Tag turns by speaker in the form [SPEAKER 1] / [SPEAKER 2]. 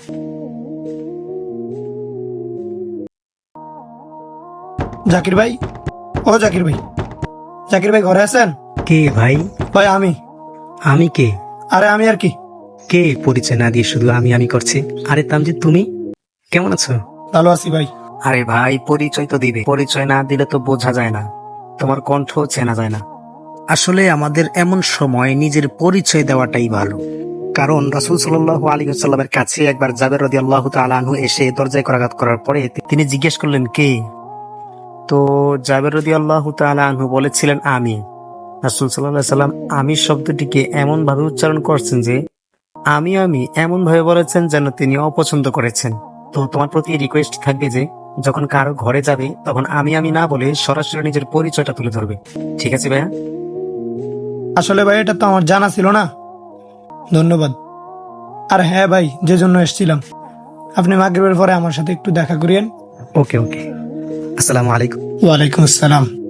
[SPEAKER 1] জাকির ভাই, ও জাকির ভাই, জাকির ভাই ঘরে আছেন?
[SPEAKER 2] কে ভাই?
[SPEAKER 1] ভাই আমি।
[SPEAKER 2] আমি কে?
[SPEAKER 1] আরে আমি আর কি।
[SPEAKER 2] কে পরিচয় না দিয়ে শুধু আমি আমি করছে? আরে তামজিদ, তুমি কেমন আছো?
[SPEAKER 1] ভালো আছি ভাই।
[SPEAKER 2] আরে ভাই, পরিচয় তো দিবে, পরিচয় না দিলে তো বোঝা যায় না, তোমার কণ্ঠ চেনা যায় না। আসলে আমাদের এমন সময় নিজের পরিচয় দেওয়াটাই ভালো। কারণ রাসূল সাল্লাল্লাহু আলাইহি ওয়াসাল্লামের কাছে একবার জাবের রাদিয়াল্লাহু তাআলা আনহু এসে দরজায় করাঘাত করার পরে তিনি জিজ্ঞেস করলেন, কে? তো জাবের রাদিয়াল্লাহু তাআলা আনহু বলেছিলেন, আমি। রাসূল সাল্লাল্লাহু আলাইহি সাল্লাম আমি শব্দটিকে এমন ভাবে উচ্চারণ করছেন যে আমি এমন ভাবে বলেছেন যেন তিনি অপছন্দ করেছেন। তো তোমার প্রতি রিকোয়েস্ট থাকবে যে যখন কারো ঘরে যাবে তখন আমি না বলে সরাসরি নিজের পরিচয়টা তুলে ধরবে। ঠিক আছে ভাইয়া?
[SPEAKER 1] আসলে ভাই এটা তো আমার জানা ছিল না। ধন্যবাদ। আর হ্যাঁ ভাই, যে জন্য এসেছিলাম, আপনি মাগরিবের পরে আমার সাথে একটু দেখা করিয়েন।
[SPEAKER 2] ওকে ওকে। আসসালামু আলাইকুম।
[SPEAKER 1] ওয়ালাইকুম আসসালাম।